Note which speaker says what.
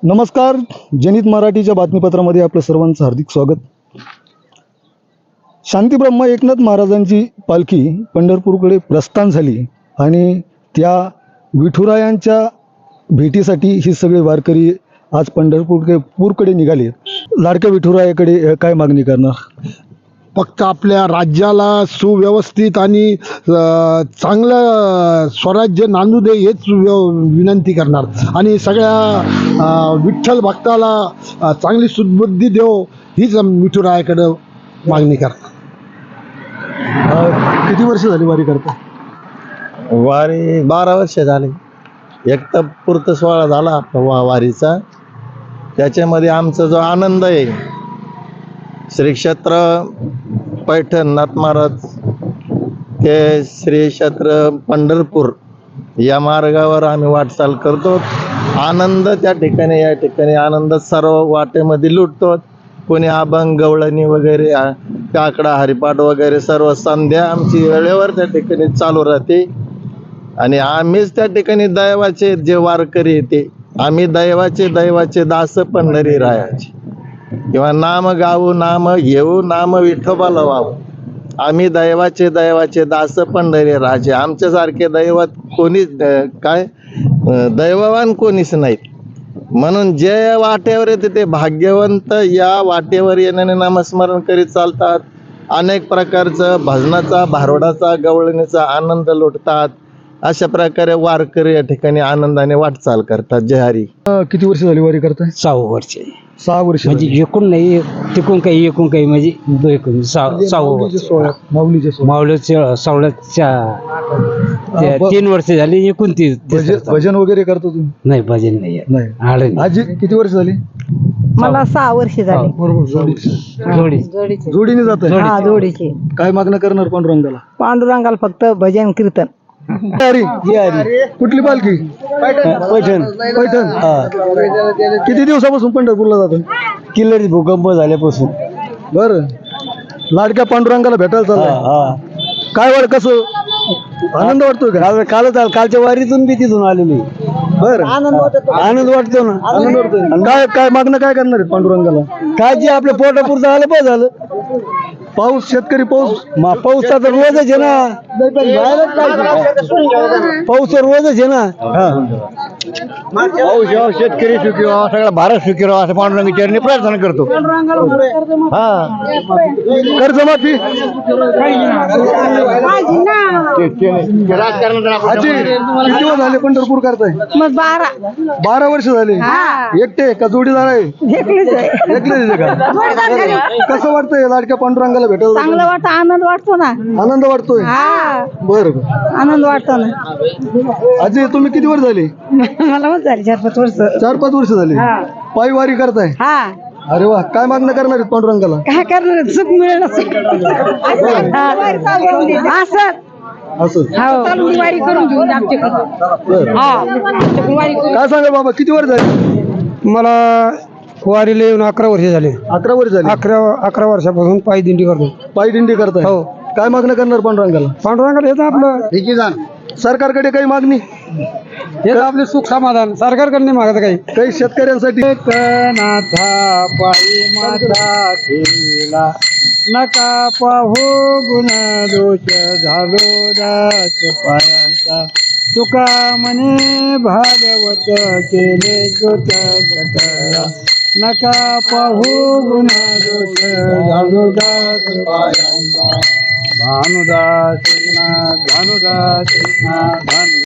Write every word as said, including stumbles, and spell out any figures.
Speaker 1: नमस्कार, जनित मराठीच्या बातमीपत्रामध्ये आपलं सर्वांचं हार्दिक स्वागत. शांतीब्रह्म एकनाथ महाराजांची पालखी पंढरपूरकडे प्रस्थान झाली आणि त्या विठुरायांच्या भेटीसाठी ही सगळे वारकरी आज पंढरपूरकडे पूरकडे निघाले. लाडक्या विठुरायाकडे काय मागणी करणार?
Speaker 2: फक्त आपल्या राज्याला सुव्यवस्थित आणि चांगलं स्वराज्य नांदू दे हेच विनंती करणार आणि सगळ्या विठ्ठल भक्ताला चांगली सुबुद्धी देव हीच विठुरायाकडे मागणी करतात.
Speaker 1: किती वर्ष झाली वारी करता?
Speaker 3: वारी बारा वर्ष झाले. एक तर पूर्त सोहळा झाला वा वारीचा, त्याच्यामध्ये आमचा जो आनंद आहे, श्री क्षेत्र पैठण नाथ महाराज ते श्री क्षेत्र पंढरपूर या मार्गावर आम्ही वाटचाल करतो. आनंद त्या ठिकाणी या ठिकाणी आनंद सर्व वाटेमध्ये लुटतो. कोणी अभंग गवळणी वगैरे काकडा हरिपाठ वगैरे सर्व संध्या आमची वेळेवर त्या ठिकाणी चालू राहते आणि आम्हीच त्या ठिकाणी दैवाचे जे वारकरी येते, आम्ही दैवाचे दैवाचे दास पंढरी रायाचे, किंवा नाम गाऊ नाम घेऊ नाम विठोबाला वाहू, आम्ही दैवाचे दैवाचे दास पंढरी राजे. आमच्यासारखे दैवत कोणीच काय दैववान कोणीच नाहीत. म्हणून जे वाटेवर येते ते भाग्यवंत या वाटेवर येण्याने नामस्मरण करीत चालतात. अनेक प्रकारचं भजनाचा भारुडाचा गवळणीचा आनंद लुटतात. अशा प्रकारे वारकरी या ठिकाणी आनंदाने वाटचाल करतात. जय हरी.
Speaker 1: किती वर्ष झाली वारी करताय?
Speaker 4: सहा वर्ष
Speaker 1: सहा वर्ष
Speaker 4: म्हणजे एकूण नाही, तिकून काही एकूण काही म्हणजे एकूण सहा सहा वर्ष. माऊलीच्या सावळ्याच्या तीन वर्ष झाली. एकूण ती
Speaker 1: भजन वगैरे करतो तुम्ही?
Speaker 4: नाही, भजन नाही
Speaker 1: नाही.
Speaker 4: आलं.
Speaker 1: आजी किती वर्ष झाली?
Speaker 5: मला सहा वर्ष झाली.
Speaker 1: बरोबर.
Speaker 4: जोडी
Speaker 1: जोडीने जात आहे.
Speaker 5: हा, जोडीची.
Speaker 1: काय मागणं करणार पांडुरंगाला?
Speaker 5: पांडुरंगाला फक्त भजन कीर्तन.
Speaker 1: हरी. कुठली पालखी? पैठण. पैठण. किती दिवसापासून पंढरपूरला जातो?
Speaker 4: किल्लरी भूकंप झाल्यापासून.
Speaker 1: बर. लाडक्या पांडुरंगाला भेटायला चाललाय. काय वाट कसं आनंद वाटतोय का?
Speaker 4: कालच कालच्या वारीतून बी तिथून आलेली.
Speaker 1: बर.
Speaker 4: आनंद वाटतो ना.
Speaker 1: आनंद वाटतोय. काय काय मागणं काय करणार आहेत पांडुरंगाला?
Speaker 4: काय जे आपल्या पोटापुरतं आलं पाहिजे झालं.
Speaker 1: पाऊस, शेतकरी पाऊस.
Speaker 4: मा पाऊस तर रोजच आहे ना. पाऊस तर रोजच आहे ना.
Speaker 1: पाऊस यावं, शेतकरी सुखी व्हावा, सगळा भारत सुखी राहावा असं पांडुरंग चरणी प्रार्थना करतो. हा. कर्जमाफी. आजी किती वर्ष झाले पंढरपूर करताय?
Speaker 5: मग बारा
Speaker 1: बारा वर्ष झाले. एकटे का जोडीदार आहे?
Speaker 5: एकलीच आहे.
Speaker 1: एकलेच आहे का? कसं वाटतंय लाडक्या पांडुरंगाला भेटायला?
Speaker 5: चांगलं वाटतं, आनंद वाटतो ना.
Speaker 1: आनंद वाटतोय.
Speaker 5: हा,
Speaker 1: बर.
Speaker 5: आनंद वाटतो ना.
Speaker 1: आजी तुम्ही किती वर्ष झाले?
Speaker 5: मला मग झाली चार पाच वर्ष.
Speaker 1: चार पाच वर्ष झाले. पायी वारी करताय?
Speaker 5: हा.
Speaker 1: अरे वा. काय मागणं करणार आहेत पांडुरंगाला?
Speaker 5: काय करणार, सुख मिळेल असं.
Speaker 1: असं.
Speaker 5: वारी करून घेऊन आमच्याकडे.
Speaker 1: काय सांगा बाबा, किती वर्ष झाले?
Speaker 4: मला वारीला येऊन अकरा वर्ष झाले.
Speaker 1: अकरा वर्ष झाले.
Speaker 4: अकरा अकरा वर्षापासून पायी दिंडी करतो.
Speaker 1: पायी दिंडी करताय?
Speaker 4: हो.
Speaker 1: काय मागणं करणार पांडुरंगाला?
Speaker 4: पांडुरंगाला येतं आपलं
Speaker 1: सरकारकडे काही मागणी?
Speaker 4: येतं आपले सुख समाधान. सरकारकडे नाही मागत काही.
Speaker 1: काही शेतकऱ्यांसाठी?
Speaker 4: नाथा पायी माता केला, नका पाहू गुण दोष झालो दास पायांचा. तुका म्हणे भागवत केले जोत सकळा, नका पाहू गुण दोष झालो दास पायांचा. भानुदास भानुदास भानु